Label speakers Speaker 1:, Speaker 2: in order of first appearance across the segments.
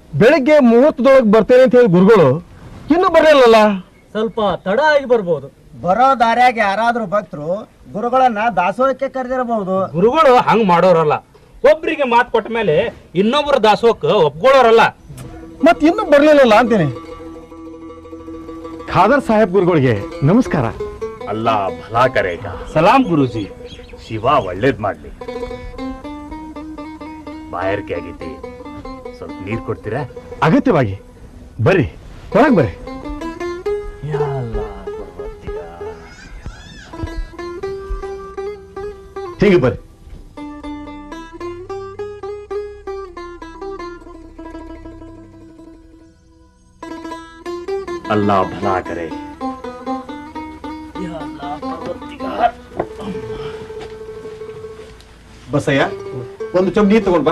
Speaker 1: ಬೆಳಿಗ್ಗೆ ಮುಹೂರ್ತದೊಳಗೆ ಬರ್ತೇನೆ ಅಂತ ಹೇಳಿ ಗುರುಗಳು ಇನ್ನೂ ಬರಲಿಲ್ಲಲ್ಲ.
Speaker 2: ಸ್ವಲ್ಪ ತಡ ಆಗಿ ಬರ್ಬೋದು.
Speaker 3: ಬರೋ ದಾರ್ಯಾಗ ಯಾರಾದ್ರೂ ಭಕ್ತರು ಗುರುಗಳನ್ನ ದಾಸೋಹಕ್ಕೆ ಕರೆದಿರಬಹುದು.
Speaker 4: ಗುರುಗಳು ಹಂಗ್ ಮಾಡೋರಲ್ಲ. ಒಬ್ರಿಗೆ ಮಾತು ಕೊಟ್ಟ ಮೇಲೆ ಇನ್ನೊಬ್ಬರ ದಾಸೋಹಕ್ಕೆ ಒಪ್ಕೊಳ್ಳೋರಲ್ಲ.
Speaker 1: ಮತ್ ಇನ್ನೂ ಬರ್ಲಿಲ್ಲಲ್ಲ ಅಂತೀನಿ. ಖಾದರ್ ಸಾಹೇಬ್ ಗುರುಗಳಿಗೆ ನಮಸ್ಕಾರ.
Speaker 5: ಅಲ್ಲಾ ಭಲಾ ಕರೇಗ.
Speaker 4: ಸಲಾಂ ಗುರುಜಿ.
Speaker 5: ಶಿವ ಒಳ್ಳೇದ್ ಮಾಡ್ಲಿ. ಬಾಯಾರಿಕೆ ಆಗೈತಿ, ಸ್ವಲ್ಪ ನೀರ್ ಕೊಡ್ತೀರಾ?
Speaker 1: ಅಗತ್ಯವಾಗಿ ಬರ್ರಿ, ಒಳಗ್ ಬರ್ರಿ. ಹೀಗೆ ಬರ್ರಿ.
Speaker 5: ಅಲ್ಲಾ ಭಲಾ ಕರೆ.
Speaker 1: ಬಸಯ್ಯ, ಒಂದು ಚಮ್ ನೀರು ತಗೊಂಡ್ ಬಾ.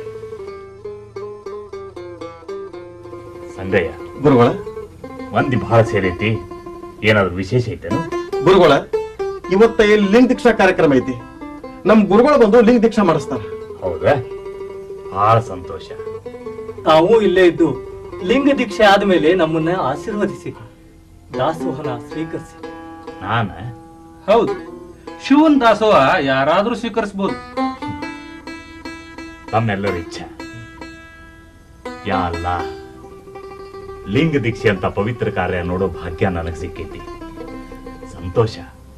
Speaker 5: ಸಂಗಯ್ಯ,
Speaker 1: ಗುರುಗಳ
Speaker 5: ಮಂದಿ ಬಹಳ ಸೇರೈತಿ, ಏನಾದ್ರು ವಿಶೇಷ ಐತೇನು?
Speaker 1: ಗುರುಗಳ ಇವತ್ತ ಇಲ್ಲಿ ಲಿಂಗ ದೀಕ್ಷಾ ಕಾರ್ಯಕ್ರಮ ಐತಿ. ನಮ್ ಗುರುಗಳು ಬಂದು ಲಿಂಗ ದೀಕ್ಷಾ ಮಾಡಿಸ್ತಾರ.
Speaker 5: ಹೌದಾ? ಬಹಳ ಸಂತೋಷ.
Speaker 2: ತಾವು ಇಲ್ಲೇ ಇದ್ದು ಲಿಂಗ ದೀಕ್ಷೆ ಆದ್ಮೇಲೆ ನಮ್ಮನ್ನ ಆಶೀರ್ವದಿಸಿ ದಾಸೋಹನ ಸ್ವೀಕರಿಸಿ.
Speaker 5: ನಾನ?
Speaker 4: ಹೌದು, ಶಿವನ್ ದಾಸೋಹ ಯಾರಾದ್ರೂ ಸ್ವೀಕರಿಸಬಹುದು.
Speaker 5: ನಮ್ಮೆಲ್ಲರ ಇಚ್ಛೆ. ಯಾ ಅಲ್ಲ, ಲಿಂಗ ದೀಕ್ಷೆ ಅಂತ ಪವಿತ್ರ ಕಾರ್ಯ ನೋಡೋ ಭಾಗ್ಯ ನನಗೆ ಸಿಕ್ಕೈತಿ. ಸಂತೋಷ.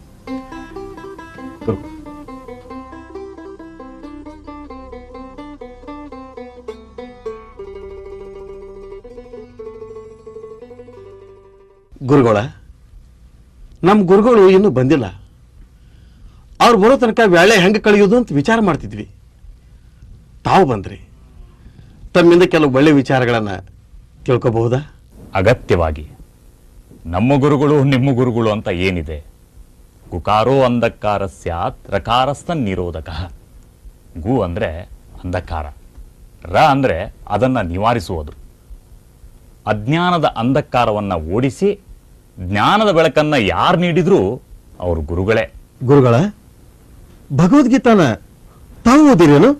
Speaker 1: ಗುರುಗಳ, ನಮ್ಮ ಗುರುಗಳು ಇನ್ನೂ ಬಂದಿಲ್ಲ. ಅವ್ರು ಬರೋ ತನಕ ವೇಳೆ ಹೆಂಗೆ ಕಳೆಯೋದು ಅಂತ ವಿಚಾರ ಮಾಡ್ತಿದ್ವಿ. ತಾವು ಬಂದ್ರಿ, ತಮ್ಮಿಂದ ಕೆಲವು ಒಳ್ಳೆ ವಿಚಾರಗಳನ್ನ ತಿಳ್ಕೋಬಹುದಾ?
Speaker 5: ಅಗತ್ಯವಾಗಿ. ನಮ್ಮ ಗುರುಗಳು ನಿಮ್ಮ ಗುರುಗಳು ಅಂತ ಏನಿದೆ? ಗುಕಾರೋ ಅಂಧಕಾರ ಸ್ಯಾತ್ ರಕಾರಸ್ಥ ನಿರೋಧಕ. ಗು ಅಂದ್ರೆ ಅಂಧಕಾರ, ರ ಅಂದ್ರೆ ಅದನ್ನ ನಿವಾರಿಸುವುದು. ಅಜ್ಞಾನದ ಅಂಧಕಾರವನ್ನ ಓಡಿಸಿ ಜ್ಞಾನದ ಬೆಳಕನ್ನ ಯಾರು ನೀಡಿದ್ರು ಅವರು ಗುರುಗಳೇ.
Speaker 1: ಗುರುಗಳ, ಭಗವದ್ಗೀತಾನ ತಾವು ಓದಿರೇನು?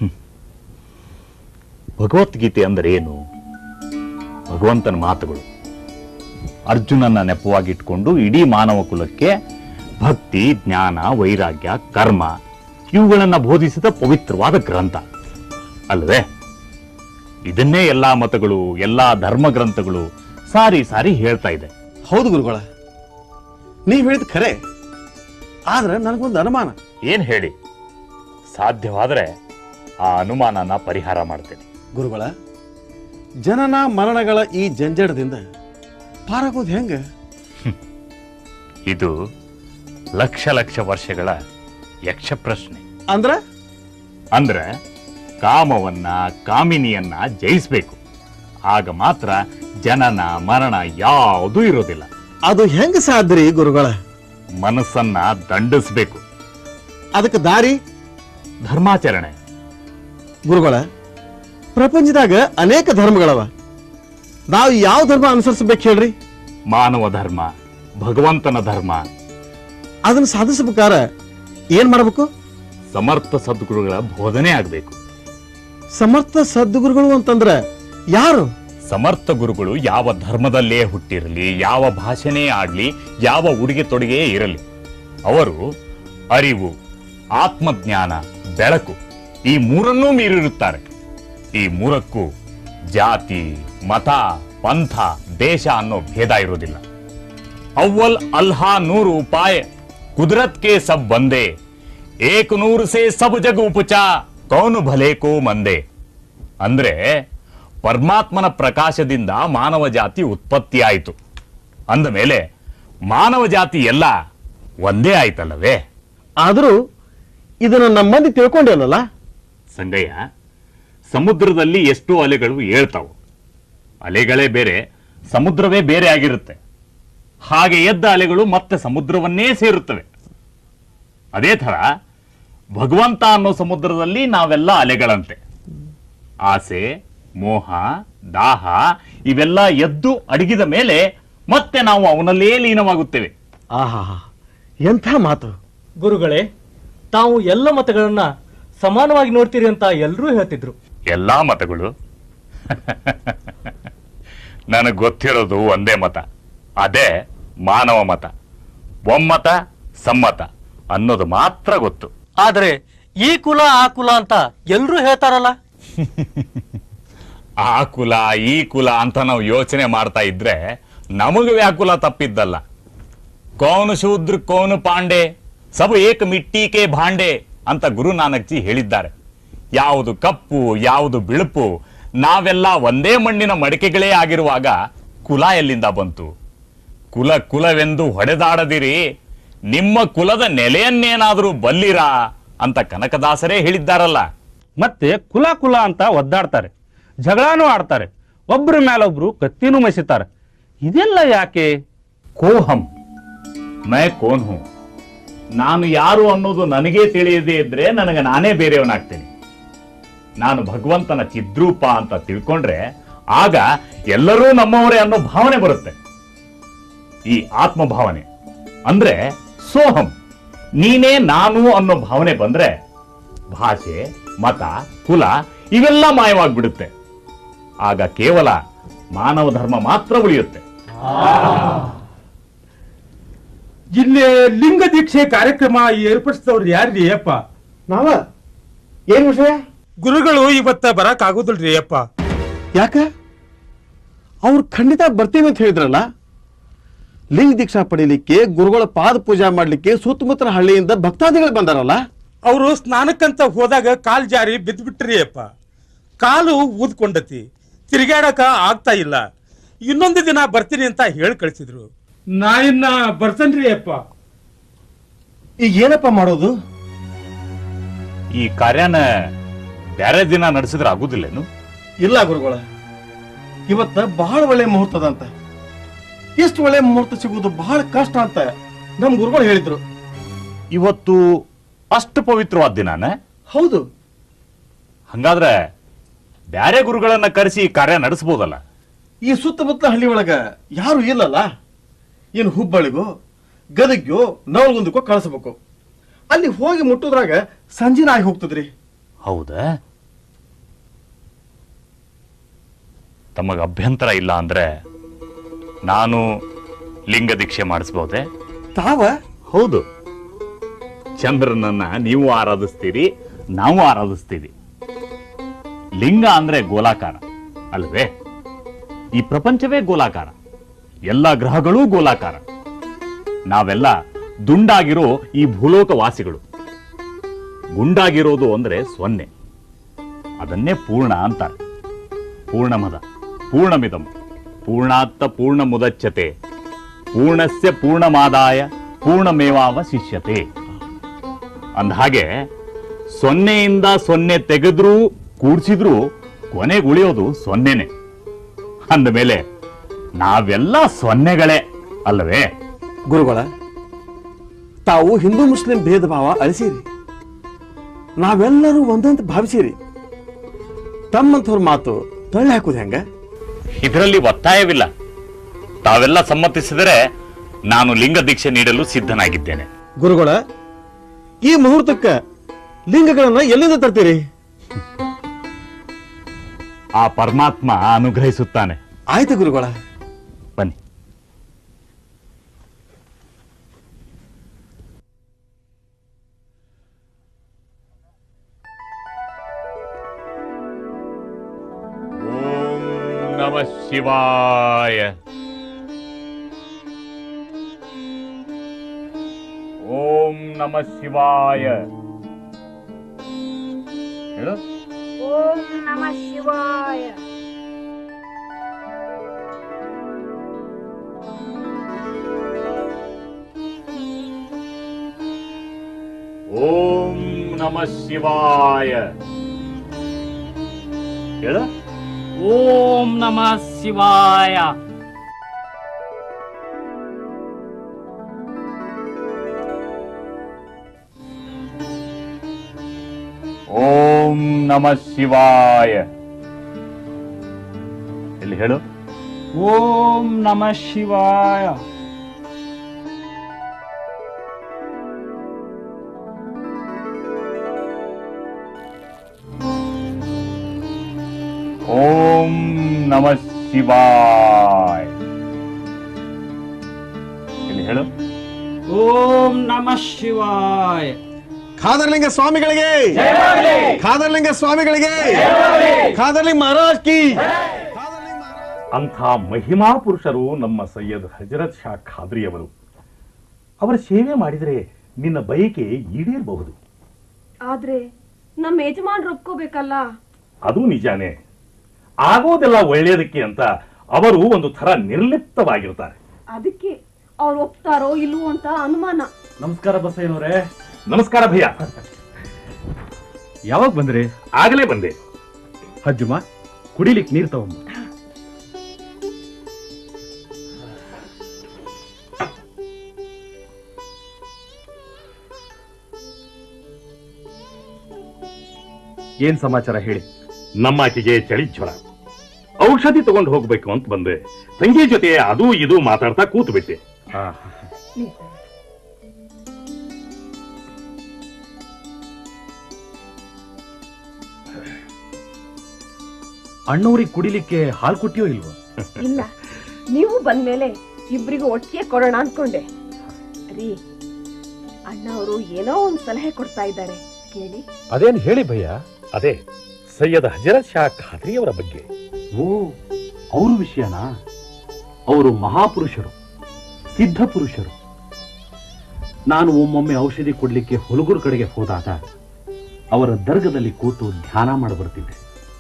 Speaker 5: ಭಗವದ್ಗೀತೆ ಅಂದ್ರೆ ಏನು? ಭಗವಂತನ ಮಾತುಗಳು. ಅರ್ಜುನನ್ನ ನೆಪವಾಗಿಟ್ಕೊಂಡು ಇಡೀ ಮಾನವ ಕುಲಕ್ಕೆ ಭಕ್ತಿ, ಜ್ಞಾನ, ವೈರಾಗ್ಯ, ಕರ್ಮ ಇವುಗಳನ್ನ ಬೋಧಿಸಿದ ಪವಿತ್ರವಾದ ಗ್ರಂಥ ಅಲ್ಲವೇ? ಇದನ್ನೇ ಎಲ್ಲಾ ಮತಗಳು, ಎಲ್ಲಾ ಧರ್ಮ ಗ್ರಂಥಗಳು ಸಾರಿ ಸಾರಿ ಹೇಳ್ತಾ ಇದೆ.
Speaker 1: ಹೌದು ಗುರುಗಳ, ನೀವು ಹೇಳಿದ ಖರೆ. ಆದ್ರೆ ನನಗೊಂದು ಅನುಮಾನ.
Speaker 5: ಏನ್ ಹೇಳಿ? ಸಾಧ್ಯವಾದ್ರೆ ಆ ಅನುಮಾನನ ಪರಿಹಾರ ಮಾಡ್ತೇನೆ.
Speaker 1: ಗುರುಗಳ, ಜನನ ಮರಣಗಳ ಈ ಜಂಜಡದಿಂದ ಪಾರಾಗೋದು ಹೆಂಗ?
Speaker 5: ಇದು ಲಕ್ಷ ಲಕ್ಷ ವರ್ಷಗಳ ಯಕ್ಷ ಪ್ರಶ್ನೆ. ಅಂದ್ರೆ ಕಾಮವನ್ನ, ಕಾಮಿನಿಯನ್ನ ಜಯಿಸಬೇಕು. ಆಗ ಮಾತ್ರ ಜನನ ಮರಣ ಯಾವುದೂ ಇರೋದಿಲ್ಲ.
Speaker 1: ಅದು ಹೆಂಗ ಸಾಧ್ರಿ ಗುರುಗಳ?
Speaker 5: ಮನಸ್ಸನ್ನ ದಂಡಿಸಬೇಕು.
Speaker 1: ಅದಕ್ಕೆ ದಾರಿ
Speaker 5: ಧರ್ಮಾಚರಣೆ.
Speaker 1: ಗುರುಗಳ, ಪ್ರಪಂಚದಾಗ ಅನೇಕ ಧರ್ಮಗಳವ. ನಾವು ಯಾವ ಧರ್ಮ ಅನುಸರಿಸಬೇಕು ಹೇಳ್ರಿ?
Speaker 5: ಮಾನವ ಧರ್ಮ, ಭಗವಂತನ ಧರ್ಮ.
Speaker 1: ಅದನ್ನ ಸಾಧಿಸಬೇಕಾರ ಏನ್ ಮಾಡಬೇಕು?
Speaker 5: ಸಮರ್ಥ ಸದ್ಗುರುಗಳ ಬೋಧನೆ ಆಗಬೇಕು.
Speaker 1: ಸಮರ್ಥ ಸದ್ಗುರುಗಳು ಅಂತಂದ್ರ ಯಾರು?
Speaker 5: ಸಮರ್ಥ ಗುರುಗಳು ಯಾವ ಧರ್ಮದಲ್ಲೇ ಹುಟ್ಟಿರಲಿ, ಯಾವ ಭಾಷೆನೇ ಆಡ್ಲಿ, ಯಾವ ಉಡುಗೆ ತೊಡುಗೆ ಇರಲಿ, ಅವರು ಅರಿವು, ಆತ್ಮಜ್ಞಾನ, ಬೆಳಕು ಈ ಮೂರನ್ನೂ ಮೀರಿರುತ್ತಾರೆ. ಈ ಮೂರಕ್ಕೂ ಜಾತಿ, ಮತ, ಪಂಥ, ದೇಶ ಅನ್ನೋ ಭೇದ ಇರೋದಿಲ್ಲ. ಅವ್ವಲ್ ಅಲ್ಹಾ ನೂರು ಉಪಾಯ ಕುದರತ್ ಕೆ ಸಬ್ ಬಂದೆ, ಏಕ್ ನೂರು ಸೇ ಸಬ್ ಜಗ್ ಉಪಚಾ ಕೌನು ಭಲೆ ಕೋ ಮಂದೆ. ಅಂದ್ರೆ ಪರಮಾತ್ಮನ ಪ್ರಕಾಶದಿಂದ ಮಾನವ ಜಾತಿ ಉತ್ಪತ್ತಿಯಾಯಿತು ಅಂದ ಮೇಲೆ ಮಾನವ ಜಾತಿ ಎಲ್ಲ ಒಂದೇ ಆಯ್ತಲ್ಲವೇ?
Speaker 1: ಆದರೂ ಇದನ್ನ ನಮ್ಮ ಮಂದಿ ತಿಳ್ಕೊಂಡೇನಲ್ಲ
Speaker 5: ಸಂಗಯ್ಯ. ಸಮುದ್ರದಲ್ಲಿ ಎಷ್ಟೋ ಅಲೆಗಳು ಏಳ್ತಾವು. ಅಲೆಗಳೇ ಬೇರೆ, ಸಮುದ್ರವೇ ಬೇರೆ ಆಗಿರುತ್ತೆ. ಹಾಗೆ ಎದ್ದ ಅಲೆಗಳು ಮತ್ತೆ ಸಮುದ್ರವನ್ನೇ ಸೇರುತ್ತವೆ. ಅದೇ ಥರ ಭಗವಂತ ಅನ್ನೋ ಸಮುದ್ರದಲ್ಲಿ ನಾವೆಲ್ಲ ಅಲೆಗಳಂತೆ. ಆಸೆ, ಮೋಹ, ದಾಹ ಇವೆಲ್ಲ ಎದ್ದು ಅಡಗಿದ ಮೇಲೆ ಮತ್ತೆ ನಾವು ಅವನಲ್ಲೇ ಲೀನವಾಗುತ್ತೇವೆ.
Speaker 1: ಆಹಾ, ಎಂಥ ಮಾತು
Speaker 2: ಗುರುಗಳೇ. ತಾವು ಎಲ್ಲ ಮತಗಳನ್ನ ಸಮಾನವಾಗಿ ನೋಡ್ತೀರಿ ಅಂತ ಎಲ್ಲರೂ ಹೇಳ್ತಿದ್ರು.
Speaker 5: ಎಲ್ಲಾ ಮತಗಳು ನನಗೆ ಗೊತ್ತಿರೋದು ಒಂದೇ ಮತ, ಅದೇ ಮಾನವ ಮತ. ಒಮ್ಮತ ಸಮ್ಮತ ಅನ್ನೋದು ಮಾತ್ರ ಗೊತ್ತು.
Speaker 2: ಆದ್ರೆ ಈ ಕುಲ ಆ ಕುಲ ಅಂತ ಎಲ್ರೂ ಹೇಳ್ತಾರಲ್ಲ.
Speaker 5: ಆ ಕುಲ ಈ ಕುಲ ಅಂತ ನಾವು ಯೋಚನೆ ಮಾಡ್ತಾ ಇದ್ರೆ ನಮಗೆ ವ್ಯಾಕುಲ ತಪ್ಪಿದ್ದಲ್ಲ. ಕೌನು ಶೂದ್ರ ಕೌನು ಪಾಂಡೆ ಸಬ ಏಕ ಮಿಟ್ಟಿಕೆ ಭಾಂಡೆ ಅಂತ ಗುರು ನಾನಕ್ ಜಿ ಹೇಳಿದ್ದಾರೆ. ಯಾವುದು ಕಪ್ಪು ಯಾವುದು ಬಿಳುಪು, ನಾವೆಲ್ಲ ಒಂದೇ ಮಣ್ಣಿನ ಮಡಿಕೆಗಳೇ ಆಗಿರುವಾಗ ಕುಲ ಎಲ್ಲಿಂದ ಬಂತು? ಕುಲ ಕುಲವೆಂದು ಹೊಡೆದಾಡದಿರಿ, ನಿಮ್ಮ ಕುಲದ ನೆಲೆಯನ್ನೇನಾದರೂ ಬಲ್ಲಿರಾ ಅಂತ ಕನಕದಾಸರೇ ಹೇಳಿದ್ದಾರಲ್ಲ.
Speaker 4: ಮತ್ತೆ ಕುಲ ಕುಲ ಅಂತ ಒದ್ದಾಡ್ತಾರೆ, ಜಗಳನೂ ಆಡ್ತಾರೆ, ಒಬ್ರ ಮೇಲೊಬ್ರು ಕತ್ತಿನೂ ಮಸಿತಾರೆ. ಇದೆಲ್ಲ ಯಾಕೆ?
Speaker 5: ಕೋಹಂ ಮೈ ಕೋನ್ ಹೂ, ನಾನು ಯಾರು ಅನ್ನೋದು ನನಗೇ ತಿಳಿಯದೇ ಇದ್ರೆ ನನಗೆ ನಾನೇ ಬೇರೆಯವನಾಗ್ತೇನೆ. ನಾನು ಭಗವಂತನ ಚಿದ್ರೂಪ ಅಂತ ತಿಳ್ಕೊಂಡ್ರೆ ಆಗ ಎಲ್ಲರೂ ನಮ್ಮವರೇ ಅನ್ನೋ ಭಾವನೆ ಬರುತ್ತೆ. ಈ ಆತ್ಮಭಾವನೆ ಅಂದ್ರೆ ಸೋಹಂ, ನೀನೇ ನಾನು ಅನ್ನೋ ಭಾವನೆ ಬಂದ್ರೆ ಭಾಷೆ ಮತ ಕುಲ ಇವೆಲ್ಲ ಮಾಯವಾಗ್ಬಿಡುತ್ತೆ. ಆಗ ಕೇವಲ ಮಾನವ ಧರ್ಮ ಮಾತ್ರ ಉಳಿಯುತ್ತೆ.
Speaker 4: ಇಲ್ಲಿ ಲಿಂಗ ದೀಕ್ಷೆ ಕಾರ್ಯಕ್ರಮ ಏರ್ಪಡಿಸಿದವ್ರು ಯಾರ್ರಿ ಅಪ್ಪ?
Speaker 1: ನಾವ ಏನ್ ವಿಷಯ?
Speaker 4: ಗುರುಗಳು ಇವತ್ತ ಬರಕ್ ಆಗುದಿಲ್ರಿ ಅಪ್ಪ.
Speaker 1: ಯಾಕ? ಅವ್ರು ಖಂಡಿತ ಬರ್ತೀವಿ ಅಂತ ಹೇಳಿದ್ರಲ್ಲ. ಲಿಂಗ ದೀಕ್ಷಾ ಪಡೀಲಿಕ್ಕೆ ಗುರುಗಳ ಪಾದ ಪೂಜಾ ಮಾಡ್ಲಿಕ್ಕೆ ಸುತ್ತಮುತ್ತಲ ಹಳ್ಳಿಯಿಂದ ಭಕ್ತಾದಿಗಳು ಬಂದಾರಲ್ಲ.
Speaker 4: ಅವರು ಸ್ನಾನಕ್ಕಂತ ಹೋದಾಗ ಕಾಲ್ ಜಾರಿ ಬಿದ್ದ್ಬಿಟ್ರಿ ಅಪ್ಪ. ಕಾಲು ಊದ್ಕೊಂಡತಿ, ತಿರುಗಾಡಕ ಆಗ್ತಾ ಇಲ್ಲ. ಇನ್ನೊಂದು ದಿನ ಬರ್ತೀನಿ ಅಂತ ಹೇಳಿ ಕಳಿಸಿದ್ರು. ನಾ ಇನ್ನ ಬರ್ತೇನ್ರಿ ಅಪ್ಪ.
Speaker 1: ಈಗ ಏನಪ್ಪ ಮಾಡೋದು?
Speaker 5: ಈ ಕಾರ್ಯನ ಬೇರೆ ದಿನ ನಡೆಸಿದ್ರೆ ಆಗುದಿಲ್ಲೇನು?
Speaker 1: ಇಲ್ಲ ಗುರುಗಳ, ಇವತ್ತ ಬಹಳ ಒಳ್ಳೆ ಮುಹೂರ್ತದಂತ. ಇಷ್ಟು ಒಳ್ಳೆ ಮುಹೂರ್ತ ಸಿಗುವುದು ಬಹಳ ಕಷ್ಟ ಅಂತ ನಮ್ ಗುರುಗಳು ಹೇಳಿದ್ರು.
Speaker 5: ಇವತ್ತು ಅಷ್ಟು ಪವಿತ್ರವಾದ ದಿನಾನ?
Speaker 1: ಹೌದು.
Speaker 5: ಹಂಗಾದ್ರೆ ಬ್ಯಾರೆ ಗುರುಗಳನ್ನ ಕರೆಸಿ ಈ ಕಾರ್ಯ ನಡೆಸಬಹುದಲ್ಲ?
Speaker 1: ಈ ಸುತ್ತಮುತ್ತಲ ಹಳ್ಳಿ ಒಳಗ ಯಾರು ಇಲ್ಲಲ್ಲ. ಏನು ಹುಬ್ಬಳ್ಳಿಗೋ ಗದಗ್ಗೋ ನವಲಗುಂದಕ್ಕೋ ಕಳಿಸ್ಬೇಕು. ಅಲ್ಲಿ ಹೋಗಿ ಮುಟ್ಟುದ್ರಾಗ ಸಂಜಿನ ಆಗಿ ಹೋಗ್ತದ್ರಿ.
Speaker 5: ಹೌದಾ? ತಮಗ ಅಭ್ಯಂತರ ಇಲ್ಲ ಅಂದ್ರೆ ನಾನು ಲಿಂಗ ದೀಕ್ಷೆ ಮಾಡಿಸಬಹುದೇ?
Speaker 1: ತಾವ?
Speaker 5: ಹೌದು. ಚಂದ್ರನನ್ನ ನೀವು ಆರಾಧಿಸ್ತೀರಿ, ನಾವು ಆರಾಧಿಸ್ತೀವಿ. ಲಿಂಗ ಅಂದ್ರೆ ಗೋಲಾಕಾರ ಅಲ್ವೇ? ಈ ಪ್ರಪಂಚವೇ ಗೋಲಾಕಾರ, ಎಲ್ಲ ಗ್ರಹಗಳೂ ಗೋಲಾಕಾರ. ನಾವೆಲ್ಲ ದುಂಡಾಗಿರೋ ಈ ಭೂಲೋಕ ವಾಸಿಗಳು. ಗುಂಡಾಗಿರೋದು ಅಂದ್ರೆ ಸೊನ್ನೆ, ಅದನ್ನೇ ಪೂರ್ಣ ಅಂತಾರೆ. ಪೂರ್ಣಮದ ಪೂರ್ಣಮಿದಂ ಪೂರ್ಣಾತ್ತ ಪೂರ್ಣ ಮುದಚ್ಯತೆ ಪೂರ್ಣಸ್ಯ ಪೂರ್ಣಮಾದಾಯ ಪೂರ್ಣಮೇವಾವಶಿಷ್ಯತೆ. ಅಂದಹಾಗೆ ಸೊನ್ನೆಯಿಂದ ಸೊನ್ನೆ ತೆಗೆದ್ರೂ ಕೂಡ್ಸಿದ್ರೂ ಕೊನೆಗೆ ಉಳಿಯೋದು ಸೊನ್ನೆನೆ. ಅಂದ ಮೇಲೆ ನಾವೆಲ್ಲ ಸೊನ್ನೆಗಳೇ ಅಲ್ಲವೇ?
Speaker 1: ಗುರುಗಳ, ತಾವು ಹಿಂದೂ ಮುಸ್ಲಿಂ ಭೇದ ಭಾವ ಅಳಿಸಿರಿ. ನಾವೆಲ್ಲರೂ ಒಂದಂತ ಭಾವಿಸಿರಿ. ತಮ್ಮಂಥವ್ರ ಮಾತು ತಳ್ಳಿ ಹಾಕುದು ಹೆಂಗ?
Speaker 5: ಇದರಲ್ಲಿ ಒತ್ತಾಯವಿಲ್ಲ. ತಾವೆಲ್ಲ ಸಮ್ಮತಿಸಿದರೆ ನಾನು ಲಿಂಗ ದೀಕ್ಷೆ ನೀಡಲು ಸಿದ್ಧನಾಗಿದ್ದೇನೆ.
Speaker 1: ಗುರುಗಳ, ಈ ಮುಹೂರ್ತಕ್ಕ ಲಿಂಗಗಳನ್ನ ಎಲ್ಲಿಂದ ತರ್ತೀರಿ?
Speaker 5: ಆ ಪರಮಾತ್ಮ ಅನುಗ್ರಹಿಸುತ್ತಾನೆ.
Speaker 1: ಆಯ್ತು ಗುರುಗಳ.
Speaker 5: ಬನ್ನಿ. ಓಂ ನಮಃ ಶಿವಾಯ. ಓಂ ನಮಃ ಶಿವಾಯ. ಹೇಳು.
Speaker 6: ಓಂ ನಮಃ ಶಿವಾಯ.
Speaker 5: ಓಂ ನಮಃ ಶಿವಾಯ. ಹೇಳು.
Speaker 2: ಓಂ ನಮಃ ಶಿವಾಯ.
Speaker 5: ಓಂ ನಮಃ ಶಿವಾಯ. ಇಲ್ಲಿ ಹೇಳು.
Speaker 2: ಓಂ ನಮಃ ಶಿವಾಯ.
Speaker 5: ಓಂ ನಮಃ ಶಿವಾಯ. ಇಲ್ಲಿ ಹೇಳು.
Speaker 3: ಓಂ ನಮಃ ಶಿವಾಯ.
Speaker 1: ಖಾದರ್ಲಿಂಗ ಸ್ವಾಮಿಗಳಿಗೆ, ಖಾದರ್ಲಿಂಗ ಸ್ವಾಮಿಗಳಿಗೆ, ಖಾದರ್ಲಿಂಗ ಮಹಾರಾಜ್ ಕಿ.
Speaker 5: ಅಂಥ ಮಹಿಮಾ ಪುರುಷರು ನಮ್ಮ ಸೈಯದ್ ಹಜರತ್ ಶಾ ಖಾದ್ರಿಯವರು. ಅವರ ಸೇವೆ ಮಾಡಿದರೆ ನಿನ್ನ ಬಯಕೆ ಈಡೇರಬಹುದು.
Speaker 7: ಆದ್ರೆ ನಮ್ಮ ಯಜಮಾನ್ರು ಒಪ್ಕೋಬೇಕಲ್ಲ.
Speaker 5: ಅದು ನಿಜಾನೇ. ಆಗೋದೆಲ್ಲ ಒಳ್ಳೆಯದಕ್ಕೆ ಅಂತ ಅವರು ಒಂದು ಥರ ನಿರ್ಲಿಪ್ತವಾಗಿರ್ತಾರೆ.
Speaker 7: ಅದಕ್ಕೆ ಅವ್ರು ಒಪ್ತಾರೋ ಇಲ್ವೋ ಅಂತ ಅನುಮಾನ.
Speaker 8: ನಮಸ್ಕಾರ ಬಸಯ್ಯನವರೇ.
Speaker 5: ನಮಸ್ಕಾರ ಭಯ್ಯ.
Speaker 8: ಯಾವಾಗ ಬಂದ್ರಿ?
Speaker 5: ಆಗಲೇ ಬಂದೆ.
Speaker 8: ಹಜ್ಜುಮ, ಕುಡಿಲಿಕ್ಕೆ ನೀರು ತಗೊಂಬ. ಏನ್ ಸಮಾಚಾರ ಹೇಳಿ.
Speaker 5: ನಮ್ಮಾಕಿಗೆ ಚಳಿ ಜ್ವರ, ಔಷಧಿ ತಗೊಂಡು ಹೋಗ್ಬೇಕು ಅಂತ ಬಂದೆ. ತಂಗಿ ಜೊತೆ ಅದು ಇದು ಮಾತಾಡ್ತಾ ಕೂತು ಬಿಟ್ಟೆ.
Speaker 8: ಅಣ್ಣವ್ರಿಗೆ ಕುಡಿಲಿಕ್ಕೆ ಹಾಲು ಕೊಟ್ಟಿಯೋ ಇಲ್ವೋ?
Speaker 7: ಇಲ್ಲ, ನೀವು ಬಂದ್ಮೇಲೆ ಇಬ್ರಿಗೂ ಒಟ್ಟಿಗೆ ಕೊಡೋಣ ಅನ್ಕೊಂಡೆ. ರೀ, ಅಣ್ಣ ಅವರು ಏನೋ ಒಂದ್ ಸಲಹೆ ಕೊಡ್ತಾ ಇದ್ದಾರೆ, ಕೇಳಿ.
Speaker 8: ಅದೇನ್ ಹೇಳಿ ಭಯ್ಯ.
Speaker 5: ಅದೇ ಸೈಯದ್ ಹಜರತ್ ಶಾ ಖಾದ್ರಿಯವರ ಬಗ್ಗೆ.
Speaker 8: ಓ, ಅವ್ರ ವಿಷಯನಾ? ಅವರು ಮಹಾಪುರುಷರು, ಸಿದ್ಧ ಪುರುಷರು. ನಾನು ಒಮ್ಮೊಮ್ಮೆ ಔಷಧಿ ಕೊಡ್ಲಿಕ್ಕೆ ಹುಲಗೂರು ಕಡೆಗೆ ಹೋದಾಗ ಅವರ ದರ್ಗದಲ್ಲಿ ಕೂತು ಧ್ಯಾನ ಮಾಡಿ ಬರ್ತಿದ್ದೆ.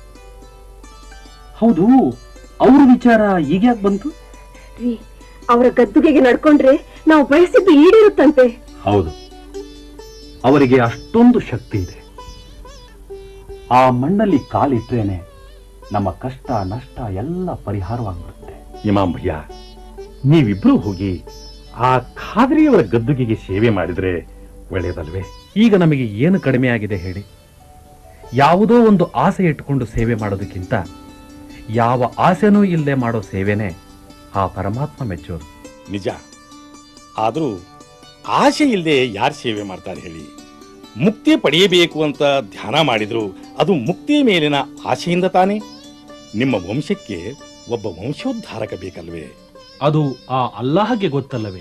Speaker 8: ಹೌದು, ಅವ್ರ ವಿಚಾರ ಈಗ್ಯಾಕ್ ಬಂತು?
Speaker 7: ರೀ, ಅವರ ಗದ್ದುಗೆಗೆ ನಡ್ಕೊಂಡ್ರೆ ನಾವು ಬಯಸಿದ್ದು ಈಡೇರುತ್ತಂತೆ.
Speaker 8: ಹೌದು, ಅವರಿಗೆ ಅಷ್ಟೊಂದು ಶಕ್ತಿ ಇದೆ. ಆ ಮಣ್ಣಲ್ಲಿ ಕಾಲಿಟ್ರೇನೆ ನಮ್ಮ ಕಷ್ಟ ನಷ್ಟ ಎಲ್ಲ ಪರಿಹಾರವಾಗ್ಬಿಡುತ್ತೆ.
Speaker 5: ಇಮಾಮ್ ಭಯ್ಯ, ನೀವಿಬ್ರು ಹೋಗಿ ಆ ಖಾದ್ರಿಯವರ ಗದ್ದುಗೆಗೆ ಸೇವೆ ಮಾಡಿದ್ರೆ ಒಳ್ಳೆಯದಲ್ವೇ?
Speaker 8: ಈಗ ನಮಗೆ ಏನು ಕಡಿಮೆ ಆಗಿದೆ ಹೇಳಿ? ಯಾವುದೋ ಒಂದು ಆಸೆ ಇಟ್ಕೊಂಡು ಸೇವೆ ಮಾಡೋದಕ್ಕಿಂತ ಯಾವ ಆಸೆನೂ ಇಲ್ಲದೆ ಮಾಡೋ ಸೇವೆನೇ ಆ ಪರಮಾತ್ಮ ಮೆಚ್ಚೋದು.
Speaker 5: ನಿಜ. ಆದರೂ ಆಸೆ ಇಲ್ಲದೆ ಯಾರು ಸೇವೆ ಮಾಡ್ತಾರೆ ಹೇಳಿ? ಮುಕ್ತಿ ಪಡೆಯಬೇಕು ಅಂತ ಧ್ಯಾನ ಮಾಡಿದ್ರು ಅದು ಮುಕ್ತಿ ಮೇಲಿನ ಆಸೆಯಿಂದ ತಾನೇ. ನಿಮ್ಮ ವಂಶಕ್ಕೆ ಒಬ್ಬ ವಂಶೋದ್ಧಾರಕ ಬೇಕಲ್ವೇ?
Speaker 8: ಅದು ಆ ಅಲ್ಲಾಹಗೆ ಗೊತ್ತಲ್ಲವೇ?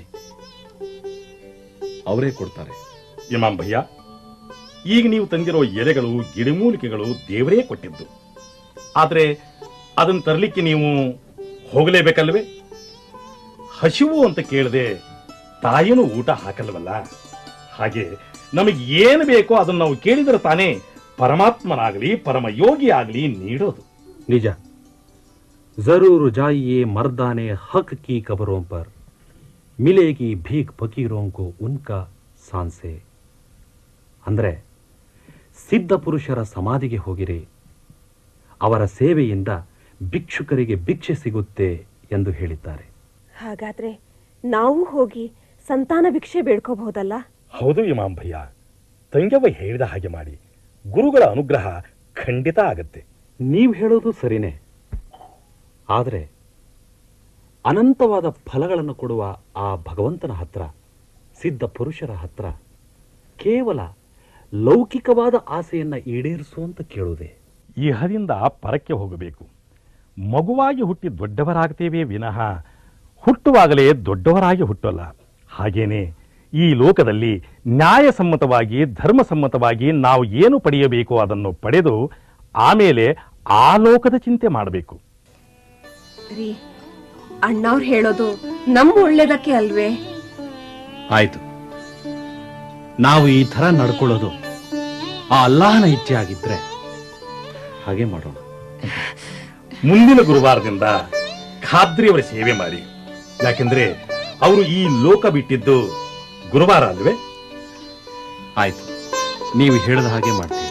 Speaker 8: ಅವರೇ ಕೊಡ್ತಾರೆ.
Speaker 5: ಇಮಾಮ್ ಭಯ್ಯ, ಈಗ ನೀವು ತಂದಿರೋ ಎಲೆಗಳು ಗಿಡಮೂಲಿಕೆಗಳು ದೇವರೇ ಕೊಟ್ಟಿದ್ದು. ಆದ್ರೆ ಅದನ್ನು ತರಲಿಕ್ಕೆ ನೀವು ಹೋಗಲೇಬೇಕಲ್ವೇ? ಹಸಿವು ಅಂತ ಕೇಳದೆ ತಾಯಿನೂ ಊಟ ಹಾಕಲ್ವಲ್ಲ. ಹಾಗೆ ನಮಗೆ ಏನು ಬೇಕೋ ಅದನ್ನು ನಾವು ಕೇಳಿದರೆ ತಾನೇ ಪರಮಾತ್ಮನಾಗಲಿ ಪರಮಯೋಗಿ ಆಗಲಿ ನೀಡೋದು.
Speaker 8: ನಿಜ. ಜರೂರು ಜಾಯಿಯೇ ಮರ್ದಾನೆ ಹಕ್ ಕಿ ಕಬರೋं पर मिलेगी भीख फकीरों को उनका सांसे. ಅಂದ್ರೆ ಸಿದ್ಧ ಪುರುಷರ ಸಮಾಧಿಗೆ ಹೋಗಿರಿ, ಅವರ ಸೇವೆಯಿಂದ ಭಿಕ್ಷುಕರಿಗೆ ಭಿಕ್ಷೆ ಸಿಗುತ್ತೆ ಎಂದು ಹೇಳಿದ್ದಾರೆ.
Speaker 7: ಹಾಗಾದ್ರೆ ನಾವು ಹೋಗಿ ಸಂತಾನ ಭಿಕ್ಷೆ ಬೇಡ್ಕೋಬಹುದಲ್ಲ?
Speaker 5: ಹೌದು ಇಮಾಮ್ ಭಯ್ಯ, ತಂಗವ್ವ ಹೇಳಿದ ಹಾಗೆ ಮಾಡಿ. ಗುರುಗಳ ಅನುಗ್ರಹ ಖಂಡಿತ ಆಗತ್ತೆ.
Speaker 8: ನೀವು ಹೇಳೋದು ಸರಿನೇ. ಆದರೆ ಅನಂತವಾದ ಫಲಗಳನ್ನು ಕೊಡುವ ಆ ಭಗವಂತನ ಹತ್ರ, ಸಿದ್ಧ ಪುರುಷರ ಹತ್ರ ಕೇವಲ ಲೌಕಿಕವಾದ ಆಸೆಯನ್ನ ಈಡೇರಿಸುವಂತ ಕೇಳುವುದೇ?
Speaker 5: ಇಹದಿಂದ ಪರಕ್ಕೆ ಹೋಗಬೇಕು. ಮಗುವಾಗಿ ಹುಟ್ಟಿ ದೊಡ್ಡವರಾಗ್ತೇವೆ ವಿನಃ ಹುಟ್ಟುವಾಗಲೇ ದೊಡ್ಡವರಾಗಿ ಹುಟ್ಟಲ್ಲ. ಹಾಗೇನೆ ಈ ಲೋಕದಲ್ಲಿ ನ್ಯಾಯಸಮ್ಮತವಾಗಿ ಧರ್ಮಸಮ್ಮತವಾಗಿ ನಾವು ಏನು ಪಡೆಯಬೇಕು ಅದನ್ನು ಪಡೆದು ಆಮೇಲೆ ಆ ಲೋಕದ ಚಿಂತೆ ಮಾಡಬೇಕು.
Speaker 7: ರೀ, ಅಣ್ಣವ್ರು ಹೇಳೋದು ನಮ್ಮ ಒಳ್ಳೇದಕ್ಕೆ ಅಲ್ವೇ?
Speaker 8: ಆಯ್ತು, ನಾವು ಈ ಥರ ನಡ್ಕೊಳ್ಳೋದು ಆ ಅಲ್ಲಾಹನ ಇಚ್ಛೆ ಆಗಿದ್ರೆ ಹಾಗೆ ಮಾಡೋಣ.
Speaker 5: ಮುಂದಿನ ಗುರುವಾರದಿಂದ ಖಾದ್ರಿಯವರ ಸೇವೆ ಮಾಡಿ. ಯಾಕೆಂದ್ರೆ ಅವರು ಈ ಲೋಕ ಬಿಟ್ಟಿದ್ದು ಗುರುವಾರ ಅಲ್ವೇ?
Speaker 8: ಆಯ್ತು, ನೀವು ಹೇಳಿದ ಹಾಗೆ ಮಾಡ್ತೀವಿ.